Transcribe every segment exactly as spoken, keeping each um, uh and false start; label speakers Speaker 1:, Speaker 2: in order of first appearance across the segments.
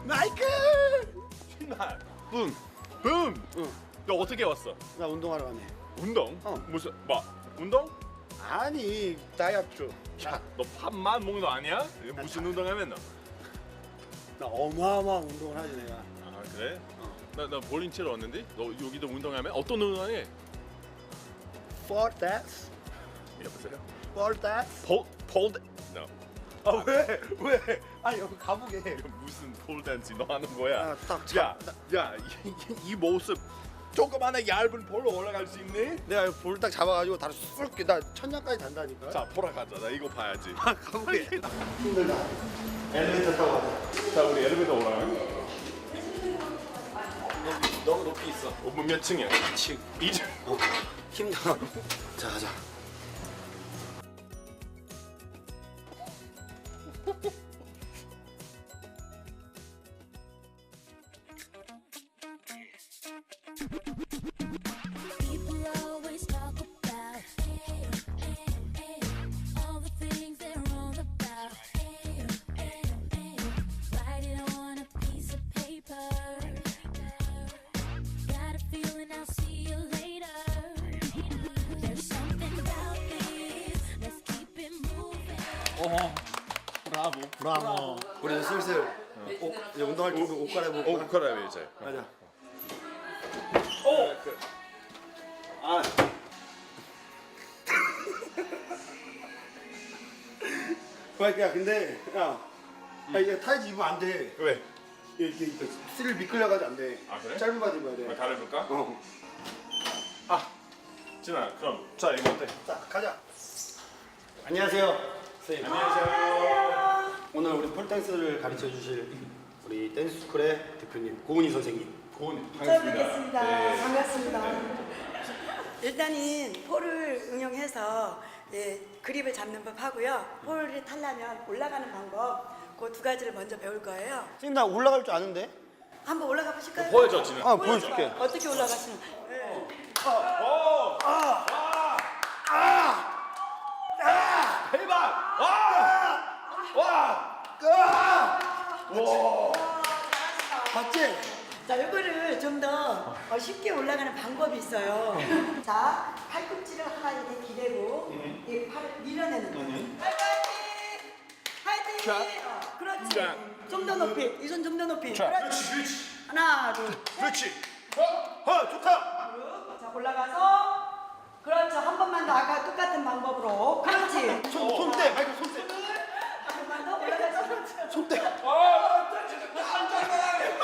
Speaker 1: 마이클!
Speaker 2: 신발. 붐. 붐.
Speaker 1: 응.
Speaker 2: 너 어떻게 왔어?
Speaker 1: 나 운동하러 가네.
Speaker 2: 운동?
Speaker 1: 어.
Speaker 2: 무슨 뭐? 운동?
Speaker 1: 아니, 다이어트.
Speaker 2: 야, 너 밥만 먹는 거 아니야? 무슨 운동하면 너?
Speaker 1: 나 어마어마한 운동을 하지 내가.
Speaker 2: 아 그래?
Speaker 1: 어.
Speaker 2: 나, 나 볼링 치러 왔는데 너 여기도 운동하면 어떤 운동해?
Speaker 1: For that,
Speaker 2: 여보세요?
Speaker 1: for that.
Speaker 2: 폴 폴. No.
Speaker 1: 아 왜? 왜? 아 여기 가보게.
Speaker 2: 이거 무슨 폴 댄스 너 하는 거야?
Speaker 1: 아, 딱
Speaker 2: 야,
Speaker 1: 참-
Speaker 2: 야, 이, 이 모습 조그마한 얇은 볼로 올라갈 수 있니?
Speaker 1: 내가 볼 딱 잡아가지고 다리 쑥, 나 천장까지 단다니까.
Speaker 2: 자, 보러 가자. 나 이거 봐야지.
Speaker 1: 아, 가보게. 힘들다. 엘리베이터 타고 가자.
Speaker 2: 자, 우리 엘리베이터 올라가요.
Speaker 1: 너무 높이 있어.
Speaker 2: 어, 뭐몇 층이야? 이 층. 이 층.
Speaker 1: 어, 힘들어. 자, 가자.
Speaker 3: People always talk about all the things they're wrong about. Write it on a piece of paper. Got a feeling I'll see you later. There's something about this. Let's keep it moving.
Speaker 2: 어, 브라보.
Speaker 1: 브라보. 우리 슬슬 옷, 이제 운동할 준비 옷 갈아입을까?
Speaker 2: 오, 그래 이제.
Speaker 1: 가자.
Speaker 2: 오.
Speaker 1: 아. 야, 근데 야, 야 이게 타이즈 입으면 안 돼.
Speaker 2: 왜?
Speaker 1: 이렇게 이렇게 스릴 미끌려가지고 안 돼.
Speaker 2: 아, 그래?
Speaker 1: 짧은 바지 입어야 돼.
Speaker 2: 다른 볼까?
Speaker 1: 어.
Speaker 2: 아, 진아, 그럼 자 이거 어때?
Speaker 1: 자, 가자. 안녕하세요, 선생님.
Speaker 2: 안녕하세요.
Speaker 1: 오늘 우리 폴댄스를 가르쳐 주실 우리 댄스 스쿨의 대표님 고은희 선생님.
Speaker 2: 고은
Speaker 4: 처음 뵙겠습니다.
Speaker 2: 네.
Speaker 4: 반갑습니다. 일단은 폴을 응용해서 예, 그립을 잡는 법 하고요. 폴을 타려면 올라가는 방법 그 두 가지를 먼저 배울 거예요.
Speaker 1: 선생님 나 올라갈 줄 아는데?
Speaker 4: 한번 올라가 보실까요?
Speaker 2: 보여줘, 진아.
Speaker 1: 아, 보여줄게.
Speaker 4: 어떻게 올라가시는? 예.
Speaker 2: 대박! 와! 와!
Speaker 1: 봤지?
Speaker 4: 자, 이거를 좀 더 쉽게 올라가는 방법이 있어요. 자, 팔꿈치를 하나 이렇게 기대고 이 팔을 밀어내는 거예요. 파이팅!
Speaker 2: 자.
Speaker 4: 파이팅! 어, 그렇지.
Speaker 2: 자.
Speaker 4: 좀 더 높이. 이 손 좀 더 높이.
Speaker 2: 자.
Speaker 4: 그렇지. 하나, 둘,
Speaker 2: 그렇지. 어, 어, 좋다.
Speaker 4: 자, 올라가서 그렇죠. 한 번만 더 아까 똑같은 방법으로. 그렇지.
Speaker 1: 손, 손대, 마이크 손대.
Speaker 4: 한 번만 더 올라가서.
Speaker 1: 손대.
Speaker 2: 아, 진짜 깜짝 놀라네.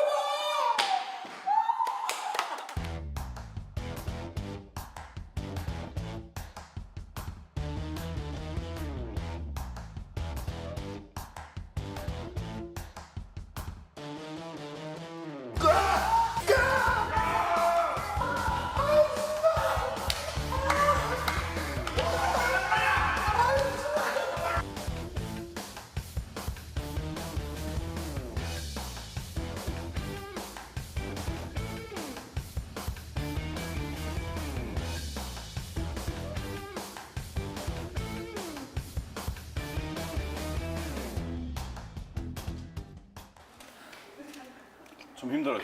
Speaker 2: 좀 힘들었지.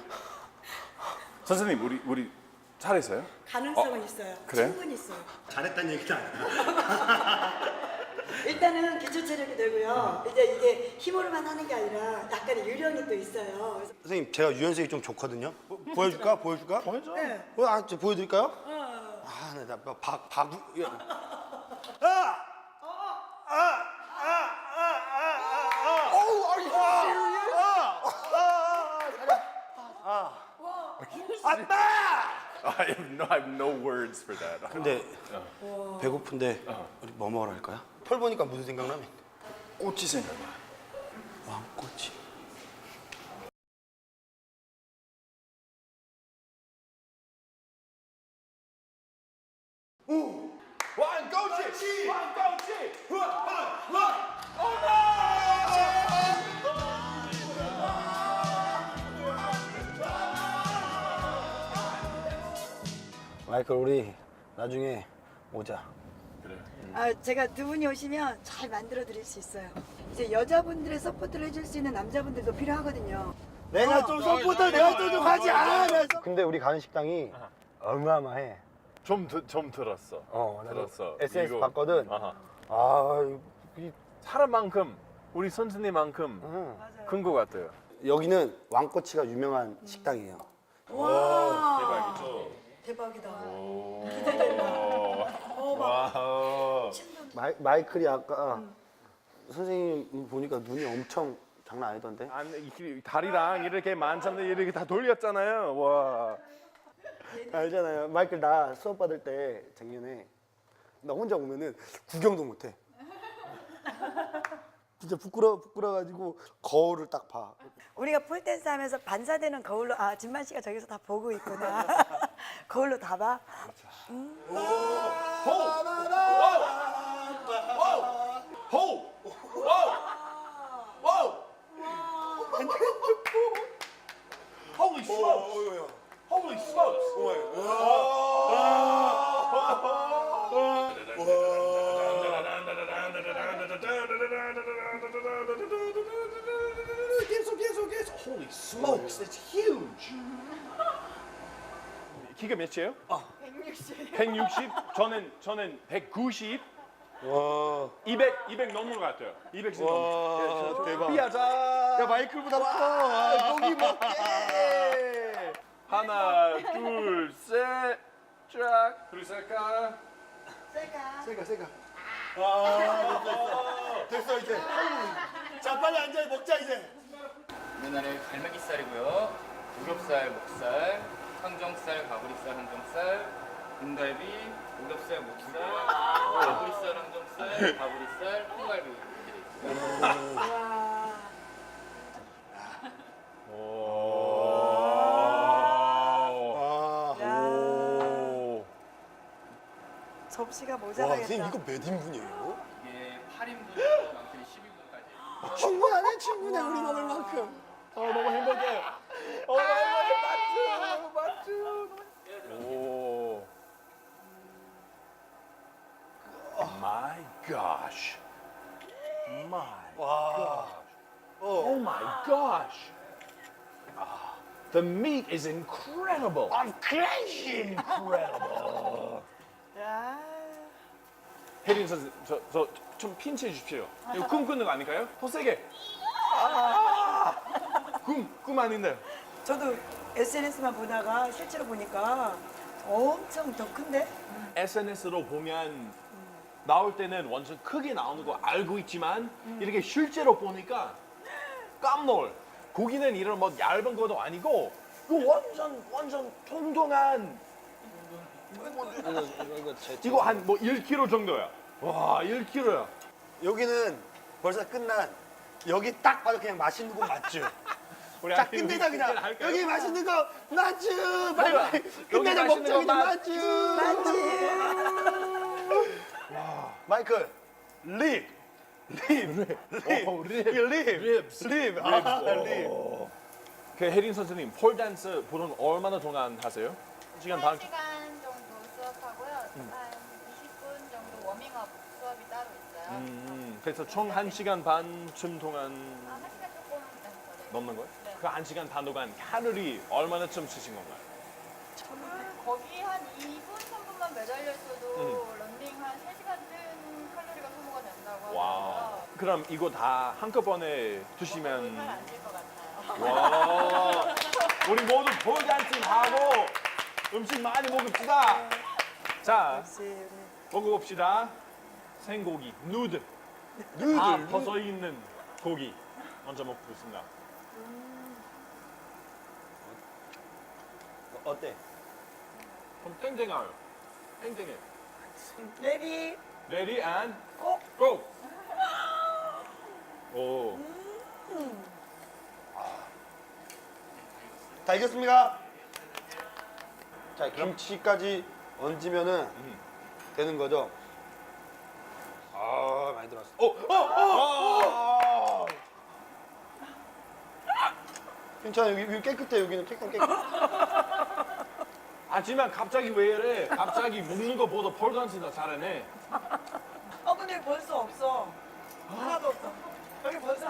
Speaker 2: 선생님, 우리 우리 잘했어요?
Speaker 4: 가능성은 있어요.
Speaker 2: 그래?
Speaker 4: 충분히 있어요.
Speaker 1: 잘했다는 얘기는 아니야.
Speaker 4: 일단은 기초 체력이 되고요. 이제 이게 힘으로만 하는 게 아니라 약간의 요령이 또 있어요. 그래서
Speaker 1: 선생님, 제가 유연성이 좀 좋거든요. 보, 보여줄까? 보여줄까?
Speaker 2: 보여줘.
Speaker 4: 네.
Speaker 1: 어, 아, 저 보여드릴까요?
Speaker 4: 어.
Speaker 1: 아, 나, 나, 박, 박, 야. 아! 아! 아! 아! 아! 아! 어우, are you serious? 아! 아! 잘해. 아! 아빠!
Speaker 2: I have no, I have no words for that.
Speaker 1: 근데 배고픈데 우리 뭐 먹으러 할까요? 펄 보니까 무슨 생각나면?
Speaker 2: 꽃이 생각나.
Speaker 1: 왕꼬치.
Speaker 2: 왕꼬치! 왕꼬치! 후아! 후아!
Speaker 1: 마이클, 우리 나중에 오자.
Speaker 2: 그래.
Speaker 4: 아, 제가 두 분이 오시면 잘 만들어 드릴 수 있어요. 이제 여자분들의 서포트를 해줄 수 있는 남자분들도 필요하거든요.
Speaker 1: 내가 좀 서포터 내가 좀 좀 하지. 아, 내가 좀-
Speaker 5: 근데 우리 가는 식당이 어마어마해.
Speaker 2: 좀, 드, 좀 들었어.
Speaker 5: 어, 나도
Speaker 2: 들었어.
Speaker 5: 에스엔에스
Speaker 2: 이거-
Speaker 5: 봤거든.
Speaker 2: 아하.
Speaker 5: 아, 이,
Speaker 2: 사람만큼 우리 선생님만큼
Speaker 5: 응.
Speaker 2: 큰 것 같아요.
Speaker 5: 여기는 왕꼬치가 유명한 식당이에요.
Speaker 4: 와,
Speaker 2: 대박이죠.
Speaker 4: 대박이다.
Speaker 2: 와우.
Speaker 5: 마이, 마이클이 아까 선생님 보니까 눈이 엄청 장난 아니던데.
Speaker 2: 안, 이- 다리랑 이렇게 만찬데 이렇게 다 돌렸잖아요. 와.
Speaker 5: 알잖아요. 마이클 나 수업 받을 때 작년에 나 혼자 오면은 구경도 못해. 진짜 부끄러 부끄러가지고 거울을 딱 봐.
Speaker 4: 우리가 폴댄스 하면서 반사되는 거울로 아 진만 씨가 저기서 다 보고 있구나. 거울로 다 봐.
Speaker 2: 호! 와우! 와우! Holy smokes! Holy smokes! 계속 계속 계속 Holy smokes! That's huge! 키가 몇이에요? 백육십. 백육십? 저는 저는 백구십.
Speaker 5: 와.
Speaker 2: 이백, 이백 넘는 것 같아요. 이백씩 넘는.
Speaker 5: 대박.
Speaker 2: 삐하자.
Speaker 5: 야 마이클보다 커. 고기 먹게.
Speaker 2: 하나, 둘, 셋, 쫙. 둘, 셋, 까.
Speaker 4: 셀까?
Speaker 5: 세가 세가. 아 됐어 됐어 이제.
Speaker 1: 자, 빨리 앉아 먹자 이제.
Speaker 6: 우리나라의 갈매기살이고요. 우겹살, 목살, 항정살, 가브리살, 항정살, 등갈비, 우겹살, 목살, 가브리살, 항정살, 가브리살, 콩갈비 이렇게 돼 있고요.
Speaker 4: 와.
Speaker 2: 오.
Speaker 5: 아.
Speaker 4: 야.
Speaker 2: 오.
Speaker 4: 접시가
Speaker 5: 와
Speaker 4: 모자라겠다.
Speaker 5: 선생님 이거 몇 인분이에요?
Speaker 6: 이게 팔 인분에서 많게는 십이 인분까지.
Speaker 5: 충분하네 충분해 우리 먹을 만큼.
Speaker 2: 어, 너무 행복해. 어, 맞죠, 맞죠. 오. My gosh. My gosh. Oh my gosh. Ah, the meat is incredible. I'm crazy incredible.
Speaker 4: 야.
Speaker 2: 혜린 선생, 저, 저, 좀 핀치해 주십시오. 이거 꿈 꾸는 거 아닐까요? 더 세게. 아, 꿈, 꿈 아닌데.
Speaker 4: 저도 에스엔에스만 보다가 실제로 보니까 엄청 더 큰데?
Speaker 2: 에스엔에스로 보면 나올 때는 완전 크게 나오는 거 알고 있지만 이렇게 실제로 보니까 깜놀. 고기는 이런 뭐 얇은 것도 아니고 이거 완전 완전 통통한
Speaker 5: 이거 이거 제
Speaker 2: 이거 한 뭐 일 킬로그램 정도야. 와, 일 킬로그램야.
Speaker 5: 여기는 벌써 끝난. 여기 딱 봐도 그냥 맛있는 곳 맞죠?
Speaker 2: 우리
Speaker 5: 자
Speaker 2: 아니,
Speaker 5: 끝내자
Speaker 2: 우리
Speaker 5: 그냥
Speaker 2: 할까요?
Speaker 5: 여기 맛있는 거 맞죠? 빨리 빨리 끝내자
Speaker 2: 맛있는
Speaker 5: 먹자
Speaker 2: 거
Speaker 5: 그냥 맞죠? 마이클 립 립, 립,
Speaker 2: 오, 립.
Speaker 5: 립, 립, 립, 아, 립.
Speaker 2: 그 혜린 선생님 폴댄스 보통 얼마나 동안 하세요? 한 시간 반?
Speaker 7: 한 시간 정도 수업하고요. 한 이십 분 정도 워밍업 수업이 따로 있어요.
Speaker 2: 음, 그래서 총 한 시간 반쯤 동안
Speaker 7: 아, 한 시간 조금 넘어요.
Speaker 2: 넘는 거예요?
Speaker 7: 네.
Speaker 2: 그 한 시간 반 동안 칼로리 얼마나쯤 쓰신 건가요?
Speaker 7: 거기 한 이 분, 삼 분만 매달려 있어도
Speaker 2: 음.
Speaker 7: 런닝 한 세 시간 뜬 칼로리가 소모가 된다고
Speaker 2: 와.
Speaker 7: 하더라고요.
Speaker 2: 그럼 이거 다 한꺼번에 드시면
Speaker 7: 잘안될 것 같아요.
Speaker 2: 와. 우리 모두 폴댄스 하고 음식 많이 먹읍시다. 자,
Speaker 4: 역시 우리
Speaker 2: 먹어봅시다. 생고기, 누드.
Speaker 5: 누들
Speaker 2: 다 벗어 있는 고기 먼저 먹겠습니다.
Speaker 5: 어때?
Speaker 2: 좀 땡땡해요. 땡땡해.
Speaker 4: 레디
Speaker 2: Ready and
Speaker 4: 고!
Speaker 2: go. 오.
Speaker 5: 다 익었습니다. 자 김치까지 얹으면은
Speaker 2: 음.
Speaker 5: 되는 거죠? 아 많이 들었어.
Speaker 2: 오, 어, 어.
Speaker 5: 괜찮아 여기, 여기 깨끗해 여기는 깨끗 깨끗.
Speaker 2: 하지만 갑자기 왜 이래? 갑자기 먹는 거보다 폴댄스가 잘하네.
Speaker 4: 어 근데 벌써 없어. 하나도 없어. 여기